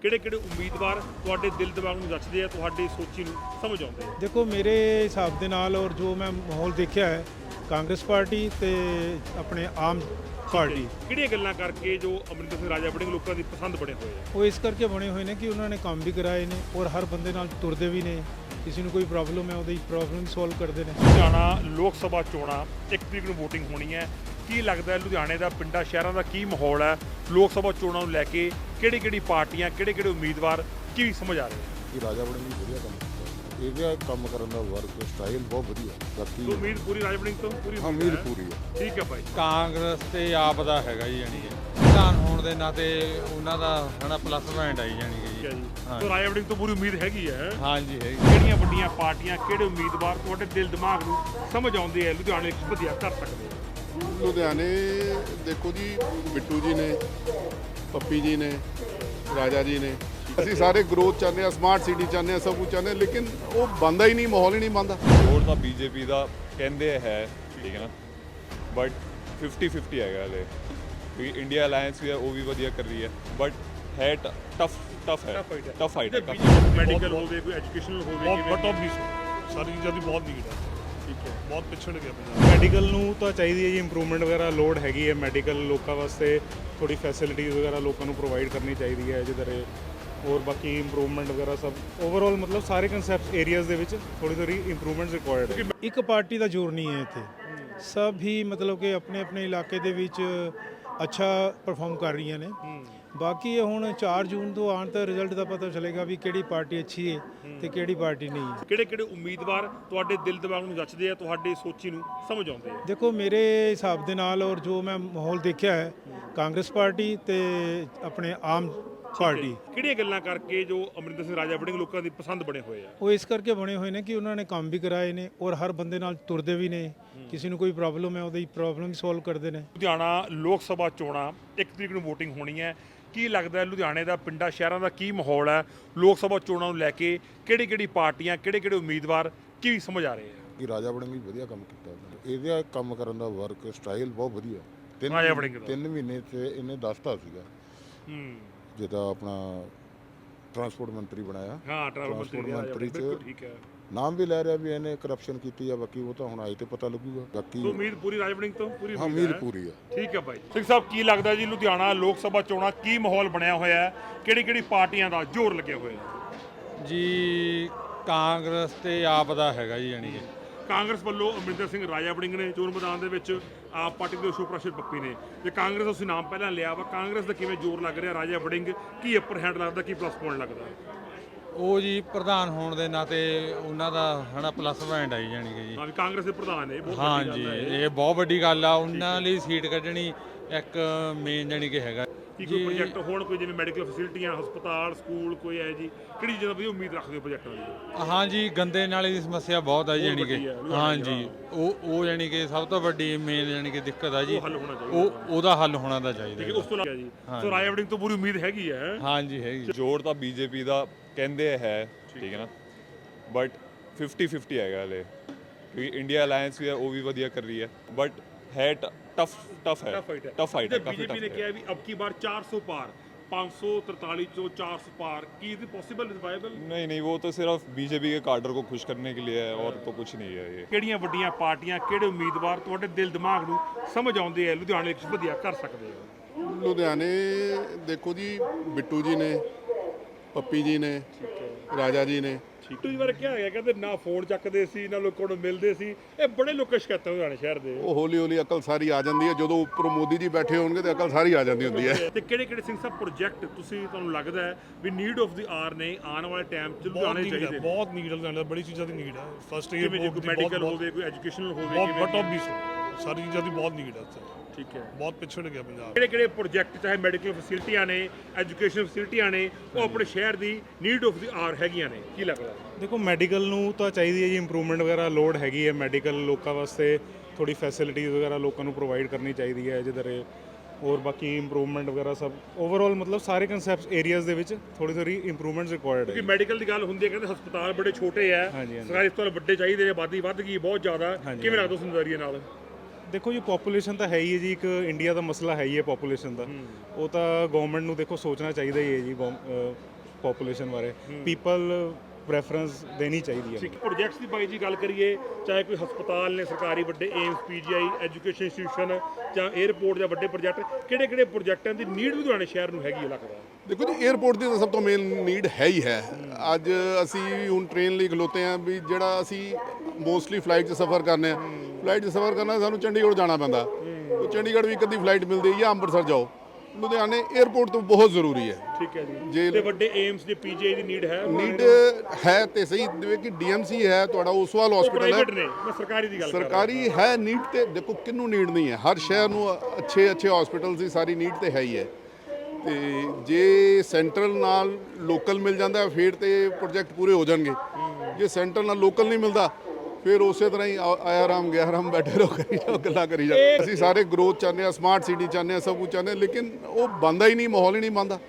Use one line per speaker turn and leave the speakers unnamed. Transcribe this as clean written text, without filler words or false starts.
ਕਿਹੜੇ ਉਮੀਦਵਾਰ ਤੁਹਾਡੇ ਦਿਲ ਦਿਮਾਗ ਨੂੰ ਰਚਦੇ ਆ, ਤੁਹਾਡੀ ਸੋਚੀ ਨੂੰ ਸਮਝ ਆਉਂਦੇ ਆ?
ਦੇਖੋ ਮੇਰੇ ਹਿਸਾਬ ਦੇ ਨਾਲ ਔਰ ਜੋ ਮੈਂ ਮਾਹੌਲ ਦੇਖਿਆ ਹੈ, ਕਾਂਗਰਸ ਪਾਰਟੀ ਤੇ ਆਪਣੇ ਆਮ ਪਾਰਟੀ
ਕਿਹੜੀਆਂ ਗੱਲਾਂ ਕਰਕੇ ਜੋ ਅਮਰਿੰਦਰ ਸਿੰਘ ਰਾਜਾ ਵੜਿੰਗ ਲੋਕਾਂ ਦੀ ਪਸੰਦ ਬਣੇ ਹੋਏ ਆ?
ਉਹ ਇਸ ਕਰਕੇ ਬਣੇ ਹੋਏ ਨੇ ਕਿ ਉਹਨਾਂ ਨੇ ਕੰਮ ਵੀ ਕਰਾਏ ਨੇ ਔਰ ਹਰ ਬੰਦੇ ਨਾਲ ਤੁਰਦੇ ਵੀ ਨੇ। ਕਿਸੇ ਨੂੰ ਕੋਈ ਪ੍ਰੋਬਲਮ ਹੈ ਉਹਦੀ ਪ੍ਰੋਬਲਮ ਸੋਲਵ ਕਰਦੇ ਨੇ।
ਲੁਧਿਆਣਾ ਲੋਕ ਸਭਾ ਚੋਣਾਂ 1 ਤਰੀਕ ਨੂੰ ਵੋਟਿੰਗ ਹੋਣੀ ਹੈ। ਕੀ ਲੱਗਦਾ ਹੈ ਲੁਧਿਆਣੇ ਦਾ, ਪਿੰਡਾਂ ਸ਼ਹਿਰਾਂ ਦਾ ਕੀ ਮਾਹੌਲ ਹੈ ਲੋਕ ਸਭਾ ਚੋਣਾਂ ਨੂੰ ਲੈ ਕੇ? ਕਿਹੜੀ ਪਾਰਟੀਆਂ, ਕਿਹੜੇ ਉਮੀਦਵਾਰ ਕੀ ਸਮਝ ਆ ਰਹੇ ਆ?
ਕਿ ਰਾਜਾ ਵੜਿੰਗ ਵੀ ਵਧੀਆ ਕੰਮ ਕੀਤਾ, ਇਹਦਾ ਕੰਮ ਕਰਨ ਦਾ ਵਰਕ ਸਟਾਈਲ ਬਹੁਤ ਵਧੀਆ। ਬਾਕੀ
ਉਮੀਦ ਪੂਰੀ ਰਾਜਾ ਵੜਿੰਗ ਤੋਂ ਪੂਰੀ
ਉਮੀਦ ਪੂਰੀ ਹੈ।
ਠੀਕ ਹੈ ਭਾਈ।
ਕਾਂਗਰਸ ਤੇ ਆਪ ਦਾ ਹੈਗਾ ਜੀ, ਜਾਨੀ ਕਿ ਪ੍ਰਧਾਨ ਹੋਣ ਦੇ ਨਾਤੇ ਉਹਨਾਂ ਦਾ ਹਨਾ ਪਲੱਸ ਪੁਆਇੰਟ ਆਈ ਜਾਨੀ ਕਿ
ਠੀਕ ਹੈ ਜੀ।
ਹਾਂ।
ਸੋ ਰਾਜਾ ਵੜਿੰਗ ਤੋਂ ਪੂਰੀ ਉਮੀਦ ਹੈਗੀ ਹੈ।
ਹਾਂਜੀ ਹੈਗੀ।
ਕਿਹੜੀਆਂ ਵੱਡੀਆਂ ਪਾਰਟੀਆਂ, ਕਿਹੜੇ ਉਮੀਦਵਾਰ ਤੁਹਾਡੇ ਦਿਲ ਦਿਮਾਗ ਨੂੰ ਸਮਝ ਆਉਂਦੇ ਆ, ਲੁਧਿਆਣੇ ਵਿੱਚ ਵਧੀਆ ਕਰ ਸਕਦੇ ਆ?
ਲੁਧਿਆਣੇ ਦੇਖੋ ਜੀ, ਬਿੱਟੂ ਜੀ ਨੇ, ਪੱਪੀ ਜੀ ਨੇ, ਰਾਜਾ ਜੀ ਨੇ। ਅਸੀਂ ਸਾਰੇ ਗਰੋਥ ਚਾਹੁੰਦੇ ਆ, ਸਮਾਰਟ ਸਿਟੀ ਚਾਹੁੰਦੇ ਆ, ਸਭ ਕੁਝ ਚਾਹੁੰਦੇ ਆ, ਲੇਕਿਨ ਉਹ ਬਣਦਾ ਹੀ ਨਹੀਂ, ਮਾਹੌਲ ਹੀ ਨਹੀਂ ਬਣਦਾ।
ਵੋਟ ਤਾਂ ਬੀਜੇਪੀ ਦਾ ਕਹਿੰਦੇ ਹੈ, ਠੀਕ ਹੈ ਨਾ, ਬਟ 50-50 ਹੈਗਾ ਹਲੇ, ਕਿਉਂਕਿ ਇੰਡੀਆ ਅਲਾਇੰਸ ਵੀ ਹੈ, ਉਹ ਵੀ ਵਧੀਆ ਕਰ ਰਹੀ ਹੈ, ਬਟ ਹੈ ਟਫ ਹੈ।
ਮੈਡੀਕਲ ਹੋਵੇ, ਕੋਈ ਐਜੂਕੇਸ਼ਨਲ ਹੋਵੇ,
ਬਟ ਆਬਵੀਅਸ ਸਾਰੀ ਚੀਜ਼ਾਂ ਦੀ ਬਹੁਤ ਨੀਡ ਹੈ।
ਠੀਕ ਹੈ।
ਬਹੁਤ ਪਿਛੜ ਗਿਆ ਪੰਜਾਬ।
ਮੈਡੀਕਲ ਨੂੰ ਤਾਂ ਚਾਹੀਦੀ ਹੈ ਜੀ, ਇੰਪਰੂਵਮੈਂਟ ਵਗੈਰਾ ਲੋੜ ਹੈਗੀ ਹੈ। ਮੈਡੀਕਲ ਲੋਕਾਂ ਵਾਸਤੇ ਥੋੜੀ ਫੈਸਿਲਿਟੀਜ਼ ਵਗੈਰਾ ਲੋਕਾਂ ਨੂੰ ਪ੍ਰੋਵਾਈਡ ਕਰਨੀ ਚਾਹੀਦੀ ਹੈ ਜਿਹਦੇ ਔਰ ਬਾਕੀ ਇੰਪਰੂਵਮੈਂਟ ਵਗੈਰਾ ਸਭ ਓਵਰਆਲ ਮਤਲਬ ਸਾਰੇ ਕਨਸੈਪਟ ਏਰੀਆਜ਼ ਦੇ ਵਿੱਚ ਥੋੜੀ ਇੰਪਰੂਵਮੈਂਟਸ ਰਿਕੁਆਇਰਡ ਹੈ।
ਇੱਕ ਪਾਰਟੀ ਦਾ ਜ਼ੋਰ ਨਹੀਂ ਹੈ ਇੱਥੇ, ਸਭ ਹੀ ਮਤਲਬ ਕਿ ਆਪਣੇ ਇਲਾਕੇ ਦੇ ਵਿੱਚ ਅੱਛਾ ਪਰਫਾਰਮ ਕਰ ਰਹੀਆਂ ਨੇ। ਬਾਕੀ ਇਹ ਹੁਣ 4 ਜੂਨ ਤੋਂ ਆਉਣ ਤਾਂ ਰਿਜ਼ਲਟ ਦਾ ਪਤਾ ਚੱਲੇਗਾ ਵੀ ਕਿਹੜੀ ਪਾਰਟੀ ਅੱਛੀ ਹੈ ਤੇ ਕਿਹੜੀ ਪਾਰਟੀ ਨਹੀਂ ਹੈ।
ਕਿਹੜੇ ਉਮੀਦਵਾਰ ਤੁਹਾਡੇ ਦਿਲ ਦਿਮਾਗ ਨੂੰ ਰਚਦੇ ਆ, ਤੁਹਾਡੀ ਸੋਚੀ ਨੂੰ ਸਮਝ ਆਉਂਦੇ ਆ?
ਦੇਖੋ ਮੇਰੇ ਹਿਸਾਬ ਦੇ ਨਾਲ ਔਰ ਜੋ ਮੈਂ ਮਾਹੌਲ ਦੇਖਿਆ ਹੈ, ਕਾਂਗਰਸ ਪਾਰਟੀ ਤੇ ਆਪਣੇ ਆਮ ਪਾਰਟੀ
ਕਿਹੜੀਆਂ ਗੱਲਾਂ ਕਰਕੇ ਜੋ ਅਮਰਿੰਦਰ ਸਿੰਘ ਰਾਜਾ ਵੜਿੰਗ ਲੋਕਾਂ ਦੀ ਪਸੰਦ ਬਣੇ ਹੋਏ ਆ?
ਉਹ ਇਸ ਕਰਕੇ ਬਣੇ ਹੋਏ ਨੇ ਕਿ ਉਹਨਾਂ ਨੇ ਕੰਮ ਵੀ ਕਰਾਏ ਨੇ ਔਰ ਹਰ ਬੰਦੇ ਨਾਲ ਤੁਰਦੇ ਵੀ ਨੇ। ਕਿਸੇ ਨੂੰ ਕੋਈ ਪ੍ਰੋਬਲਮ ਹੈ ਉਹਦੀ ਪ੍ਰੋਬਲਮ ਸੋਲਵ ਕਰਦੇ ਨੇ।
ਲੁਧਿਆਣਾ ਲੋਕ ਸਭਾ ਚੋਣਾਂ 1 ਤਰੀਕ ਨੂੰ ਵੋਟਿੰਗ ਹੋਣੀ ਹੈ। ਕੀ ਲੱਗਦਾ ਹੈ ਲੁਧਿਆਣੇ ਦਾ, ਪਿੰਡਾਂ ਸ਼ਹਿਰਾਂ ਦਾ ਕੀ ਮਾਹੌਲ ਹੈ ਲੋਕ ਸਭਾ ਚੋਣਾਂ ਨੂੰ ਲੈ ਕੇ? ਕਿਹੜੀ ਪਾਰਟੀਆਂ, ਕਿਹੜੇ ਉਮੀਦਵਾਰ ਕੀ ਸਮਝ ਆ ਰਹੇ ਆ?
ਕਿ ਰਾਜਾ ਵੜਿੰਗ ਵੀ ਵਧੀਆ ਕੰਮ ਕੀਤਾ, ਇਹਦਾ ਕੰਮ ਕਰਨ ਦਾ ਵਰਕ ਸਟਾਈਲ ਬਹੁਤ ਵਧੀਆ।
ਰਾਜਾ ਵੜਿੰਗ ਦਾ
3 ਮਹੀਨੇ 'ਚ ਇਹਨੇ ਦੱਸਤਾ ਸੀਗਾ। ਜਿਹਦਾ ਆਪਣਾ ਟਰਾਂਸਪੋਰਟ ਮੰਤਰੀ ਬਣਾਇਆ।
ਹਾਂ, ਟਰਾਂਸਪੋਰਟ ਮੰਤਰੀ
ਚ
ਠੀਕ ਹੈ।
ਨਾਮ ਵੀ ਲੈ ਰਿਹਾ ਵੀ ਇਹਨੇ ਕਰਪਸ਼ਨ ਕੀਤੀ ਆ, ਬਾਕੀ ਉਹ ਤਾਂ ਹੁਣ ਆਏ ਤੇ ਪਤਾ ਲੱਗੂਗਾ। ਬਾਕੀ
ਉਮੀਦ ਪੂਰੀ ਰਾਜਾ ਵੜਿੰਗ ਤੋਂ ਪੂਰੀ
ਉਮੀਦ ਪੂਰੀ ਹੈ।
ਠੀਕ ਹੈ ਭਾਈ। ਸਿੰਘ ਸਾਹਿਬ, ਕੀ ਲੱਗਦਾ ਜੀ ਲੁਧਿਆਣਾ ਲੋਕ ਸਭਾ ਚੋਣਾਂ ਕੀ ਮਾਹੌਲ ਬਣਿਆ ਹੋਇਆ ਹੈ? ਕਿਹੜੀ ਪਾਰਟੀਆਂ ਦਾ ਜ਼ੋਰ ਲੱਗਿਆ ਹੋਇਆ
ਜੀ ਕਾਂਗਰਸ ਤੇ ਆਪ ਦਾ ਹੈਗਾ ਜੀ, ਜਾਨੀ ਕਿ
ਕਾਂਗਰਸ ਵੱਲੋਂ ਅਮਰਿੰਦਰ ਸਿੰਘ ਰਾਜਾ ਵੜਿੰਗ ਨੇ ਚੋਣ ਮੈਦਾਨ ਦੇ ਵਿੱਚ, ਆਪ ਪਾਰਟੀ ਦੇ ਅਸ਼ੋਕ ਪ੍ਰਕਾਸ਼ ਪੱਪੀ ਨੇ, ਤੇ ਕਾਂਗਰਸ ਦਾ ਤੁਸੀਂ ਨਾਮ ਪਹਿਲਾਂ ਲਿਆ ਵਾ, ਕਾਂਗਰਸ ਦਾ ਕਿਵੇਂ ਜ਼ੋਰ ਲੱਗ ਰਿਹਾ? ਰਾਜਾ ਵੜਿੰਗ ਕੀ ਅਪਰ ਹੈਂਡ ਲੱਗਦਾ, ਕੀ ਪਲੱਸ ਪੁਆਇੰਟ ਲੱਗਦਾ?
ਉਹ ਜੀ ਪ੍ਰਧਾਨ ਹੋਣ ਦੇ ਨਾਤੇ ਉਹਨਾਂ ਦਾ ਹਨਾ ਪਲੱਸ ਪੁਆਇੰਟ ਆਈ ਜਾਨੀ ਕਿ ਜੀ।
ਹਾਂ, ਵੀ ਕਾਂਗਰਸ ਦੇ ਪ੍ਰਧਾਨ ਨੇ, ਬਹੁਤ ਵੱਡੀ
ਹਾਂਜੀ
ਗੱਲ ਹੈ।
ਇਹ ਬਹੁਤ ਵੱਡੀ ਗੱਲ ਆ, ਉਹਨਾਂ ਲਈ ਸੀਟ ਕੱਢਣੀ ਇੱਕ ਮੇਨ ਜਾਨੀ ਕਿ ਹੈਗਾ
ਕੀ ਕੋਈ ਪ੍ਰੋਜੈਕਟ ਹੋਣ, ਕੋਈ ਜਿਵੇਂ ਮੈਡੀਕਲ ਫੈਸਿਲਿਟੀਆਂ, ਹਸਪਤਾਲ, ਸਕੂਲ, ਕੋਈ ਹੈ ਜੀ, ਕਿਹੜੀ ਚੀਜ਼ਾਂ ਦੀ ਉਮੀਦ ਰੱਖਦੇ ਹੋ ਪ੍ਰੋਜੈਕਟਾਂ ਦੀ?
ਹਾਂਜੀ, ਗੰਦੇ ਨਾਲੇ ਦੀ ਸਮੱਸਿਆ ਬਹੁਤ ਆ ਜਾਨੀ ਕਿ। ਹਾਂਜੀ, ਉਹ ਜਾਨੀ ਕਿ ਸਭ ਤੋਂ ਵੱਡੀ ਮੇਨ ਜਾਨੀ ਕਿ ਦਿੱਕਤ ਆ ਜੀ,
ਹੱਲ ਹੋਣਾ ਚਾਹੀਦਾ।
ਉਹਦਾ ਹੱਲ ਹੋਣਾ ਦਾ ਚਾਹੀਦਾ।
ਉਸ ਤੋਂ ਇਲਾਵਾ ਜੀ ਸੋ ਰਾਜਾ ਵੜਿੰਗ ਤੋਂ ਪੂਰੀ ਉਮੀਦ ਹੈਗੀ ਹੈ।
ਹਾਂਜੀ ਹੈਗੀ।
ਜੋਰ ਤਾਂ ਬੀਜੇਪੀ ਦਾ ਕਹਿੰਦੇ ਹੈ, ਠੀਕ ਹੈ ਨਾ, ਬਟ 50-50 ਹੈਗਾ ਹਲੇ, ਕਿਉਂਕਿ ਇੰਡੀਆ ਅਲਾਇੰਸ ਵੀ ਹੈ, ਉਹ ਵੀ ਵਧੀਆ ਕਰ ਰਹੀ ਹੈ, ਬਟ ਹੈ ਟਫ ਹੈ।
ਬੀਜੇਪੀ ਨੇ ਕਿਹਾ ਵੀ ਅਬ ਕੀ ਬਾਰ 400 ਪਾਰ, 543 चो 400 पार, की इज पॉसिबल, इज वायबल?
नहीं, वो तो सिर्फ बीजेपी के कार्डर को खुश करने के लिए है और तो कुछ नहीं है ये।
ਕਿਹੜੀਆਂ ਵੱਡੀਆਂ ਪਾਰਟੀਆਂ, ਕਿਹੜੇ ਉਮੀਦਵਾਰ ਤੁਹਾਡੇ ਦਿਲ ਦਿਮਾਗ ਨੂੰ ਸਮਝ ਆਉਂਦੇ ਆ, ਲੁਧਿਆਣੇ ਵਿੱਚ ਵਧੀਆ ਕਰ ਸਕਦੇ ਆ?
ਲੁਧਿਆਣੇ ਦੇਖੋ ਜੀ, ਬਿੱਟੂ ਜੀ ਨੇ, ਪੱਪੀ ਜੀ ਨੇ, ਰਾਜਾ ਜੀ ਨੇ।
ਤੁਸੀਂ ਬਾਰੇ ਕੀ ਹੈਗਾ? ਕਹਿੰਦੇ ਨਾ ਫੋਨ ਚੱਕਦੇ ਸੀ, ਨਾ ਲੋਕਾਂ ਨੂੰ ਮਿਲਦੇ ਸੀ। ਇਹ ਬੜੇ ਲੋਕਾਂ ਸ਼ਿਕਾਇਤਾਂ ਲੁਧਿਆਣੇ ਸ਼ਹਿਰ ਦੇ।
ਉਹ ਹੌਲੀ ਅਕਲ ਸਾਰੀ ਆ ਜਾਂਦੀ ਹੈ ਜਦੋਂ ਉੱਪਰ ਮੋਦੀ ਜੀ ਬੈਠੇ ਹੋਣਗੇ ਤੇ ਅਕਲ ਸਾਰੀ ਆ ਜਾਂਦੀ ਹੁੰਦੀ ਹੈ।
ਤੇ ਕਿਹੜੇ ਸਿੰਘ ਸਾਹਿਬ ਪ੍ਰੋਜੈਕਟ ਤੁਹਾਨੂੰ ਲੱਗਦਾ ਹੈ ਵੀ ਨੀਡ ਆਫ ਦੀ ਆਰ ਨੇ, ਆਉਣ ਵਾਲੇ ਟਾਈਮ 'ਚ ਲੁਧਿਆਣੇ ਚਾਹੀਦੇ?
ਬਹੁਤ ਨੀਡ ਹੈ, ਬੜੀ ਚੀਜ਼ਾਂ ਦੀ ਨੀਡ ਹੈ। ਫਸਟ ਏਡ,
ਕੋਈ ਮੈਡੀਕਲ ਹੋਵੇ, ਕੋਈ ਐਜੂਕੇਸ਼ਨਲ ਹੋਵੇ,
ਬਟ ਆਬਵੀਅਸ ਸਾਰੀ ਚੀਜ਼ਾਂ ਦੀ ਬਹੁਤ ਨੀਡ ਹੈ।
ਠੀਕ ਹੈ।
ਬਹੁਤ ਪਿਛੜ ਗਿਆ ਪੰਜਾਬ।
ਕਿਹੜੇ ਪ੍ਰੋਜੈਕਟ, ਚਾਹੇ ਮੈਡੀਕਲ ਫੈਸਿਲਿਟੀਆਂ ਨੇ, ਐਜੂਕੇਸ਼ਨ ਫੈਸਿਲਿਟੀਆਂ ਨੇ, ਉਹ ਆਪਣੇ ਸ਼ਹਿਰ ਦੀ ਨੀਡ ਆਫ ਦੀ ਆਰ ਹੈਗੀਆਂ ਨੇ? ਕੀ ਲੱਗਦਾ?
ਦੇਖੋ ਮੈਡੀਕਲ ਨੂੰ ਤਾਂ ਚਾਹੀਦੀ ਹੈ ਜੀ, ਇੰਪਰੂਵਮੈਂਟ ਵਗੈਰਾ ਲੋੜ ਹੈਗੀ ਹੈ। ਮੈਡੀਕਲ ਲੋਕਾਂ ਵਾਸਤੇ ਥੋੜੀ ਫੈਸਿਲਿਟੀਜ਼ ਵਗੈਰਾ ਲੋਕਾਂ ਨੂੰ ਪ੍ਰੋਵਾਈਡ ਕਰਨੀ ਚਾਹੀਦੀ ਹੈ ਜਿਹਦੇ ਔਰ ਬਾਕੀ ਇੰਪਰੂਵਮੈਂਟ ਵਗੈਰਾ ਸਭ ਓਵਰਆਲ ਮਤਲਬ ਸਾਰੇ ਕਨਸੈਪਟ ਏਰੀਆਜ਼ ਦੇ ਵਿੱਚ ਥੋੜੀ ਇੰਪਰੂਵਮੈਂਟਸ ਰਿਕੁਆਇਰਡ ਹੈ।
ਕਿਉਂਕਿ ਮੈਡੀਕਲ ਦੀ ਗੱਲ ਹੁੰਦੀ ਹੈ, ਕਹਿੰਦੇ ਹਸਪਤਾਲ ਬੜੇ ਛੋਟੇ ਆ, ਸਰਕਾਰੀ ਹਸਪਤਾਲ ਵੱਡੇ ਚਾਹੀਦੇ ਨੇ, ਆਬਾਦੀ ਵੱਧ ਗਈ ਬਹੁਤ ਜ਼ਿਆਦਾ। ਕਿਵੇਂ ਲੱਗਦਾ ਉਸ ਨਜ਼ਰੀਏ ਨਾਲ?
ਦੇਖੋ ਜੀ ਪੋਪੂਲੇਸ਼ਨ ਤਾਂ ਹੈ ਹੀ ਹੈ ਜੀ, ਇੱਕ ਇੰਡੀਆ ਦਾ ਮਸਲਾ ਹੈ ਹੀ ਹੈ ਪੋਪੂਲੇਸ਼ਨ ਦਾ। ਉਹ ਤਾਂ ਗਵਰਨਮੈਂਟ ਨੂੰ ਦੇਖੋ ਸੋਚਣਾ ਚਾਹੀਦਾ ਹੀ ਹੈ ਜੀ। ਪੋਪੂਲੇਸ਼ਨ ਬਾਰੇ ਪੀਪਲ ਪ੍ਰੈਫਰੈਂਸ ਦੇਣੀ ਚਾਹੀਦੀ ਹੈ
ਠੀਕ ਪ੍ਰੋਜੈਕਟਸ ਦੀ ਬਾਈ ਜੀ ਗੱਲ ਕਰੀਏ, ਚਾਹੇ ਕੋਈ ਹਸਪਤਾਲ ਨੇ ਸਰਕਾਰੀ ਵੱਡੇ ਏਮਸ ਪੀਜੀਆਈ ਐਜੂਕੇਸ਼ਨ ਇੰਸਟੀਟਿਊਸ਼ਨ ਜਾਂ 에ਅਰਪੋਰਟ ਜਾਂ ਵੱਡੇ ਪ੍ਰੋਜੈਕਟ, ਕਿਹੜੇ ਪ੍ਰੋਜੈਕਟਾਂ ਦੀ ਨੀਡ ਲੁਧਿਆਣੇ ਸ਼ਹਿਰ ਨੂੰ ਹੈਗੀ ਹੈ ਲੱਗਦਾ?
ਦੇਖੋ ਜੀ 에ਅਰਪੋਰਟ ਦੀ ਤਾਂ ਸਭ ਤੋਂ ਮੇਨ ਨੀਡ ਹੈ ਹੀ ਹੈ। ਅੱਜ ਅਸੀਂ ਹੁਣ ਟ੍ਰੇਨ ਲਈ ਖਲੋਤੇ ਹਾਂ ਵੀ ਜਿਹੜਾ ਅਸੀਂ ਮੋਸਟਲੀ ਫਲਾਈਟ 'ਚ ਸਫ਼ਰ ਕਰਨੇ ਆ, ਫਲਾਈਟ 'ਚ ਸਫ਼ਰ ਕਰਨਾ ਸਾਨੂੰ ਚੰਡੀਗੜ੍ਹ ਜਾਣਾ ਪੈਂਦਾ, ਉਹ ਚੰਡੀਗੜ੍ਹ ਵੀ ਇੱਕ ਅੱਧੀ ਫਲਾਈਟ ਮਿਲਦੀ ਹੈ ਜਾਂ ਅੰਮ੍ਰਿਤਸਰ ਜਾਓ, ਲੁਧਿਆਣੇ 에ਅਰਪੋਰਟ ਤੋਂ ਬਹੁਤ ਜ਼ਰੂਰੀ ਹੈ।
ਠੀਕ ਹੈ ਜੀ।
ਜੇ
ਤੇ ਵੱਡੇ ਏਮਸ ਦੇ ਪੀਜੀਆਈ ਦੀ ਨੀਡ ਹੈ?
ਨੀਡ ਹੈ ਤੇ ਸਹੀ, ਜਿਵੇਂ ਕਿ ਡੀਐਮਸੀ ਹੈ ਤੁਹਾਡਾ, ਓਸਵਾਲ ਹਸਪੀਟਲ
ਪ੍ਰਾਈਵੇਟ
ਹੈ,
ਨੇ, ਮੈਂ ਸਰਕਾਰੀ ਦੀ ਗੱਲ ਕਰ ਰਿਹਾ।
ਸਰਕਾਰੀ ਹੈ ਨੀਡ ਤੇ ਦੇਖੋ ਕਿਹਨੂੰ ਨੀਡ ਨਹੀਂ ਹੈ, ਹਰ ਸ਼ਹਿਰ ਨੂੰ ਅੱਛੇ ਹਸਪੀਟਲ ਦੀ ਸਾਰੀ ਨੀਡ ਤੇ ਹੈ ਹੀ ਹੈ। ਤੇ ਜੇ ਸੈਂਟਰਲ ਨਾਲ ਲੋਕਲ ਮਿਲ ਜਾਂਦਾ ਫਿਰ ਤੇ ਪ੍ਰੋਜੈਕਟ ਪੂਰੇ ਹੋ ਜਾਣਗੇ, ਜੇ ਸੈਂਟਰਲ ਨਾਲ ਲੋਕਲ ਨਹੀਂ ਮਿਲਦਾ ਫਿਰ ਉਸੇ ਤਰ੍ਹਾਂ ਹੀ ਆਇਆ ਰਾਮ ਗਿਆ ਰਾਮ ਬੈਠੇ ਰਹੋ, ਕਰੀ ਜਾਓ, ਗੱਲਾਂ ਕਰੀ ਜਾਓ। ਅਸੀਂ ਸਾਰੇ ਗਰੋਥ ਚਾਹੁੰਦੇ ਹਾਂ, ਸਮਾਰਟ ਸਿਟੀ ਚਾਹੁੰਦੇ ਹਾਂ, ਸਭ ਕੁਝ ਚਾਹੁੰਦੇ ਹਾਂ, ਲੇਕਿਨ ਉਹ ਬਣਦਾ ਹੀ ਨਹੀਂ, ਮਾਹੌਲ ਹੀ ਨਹੀਂ ਬਣਦਾ।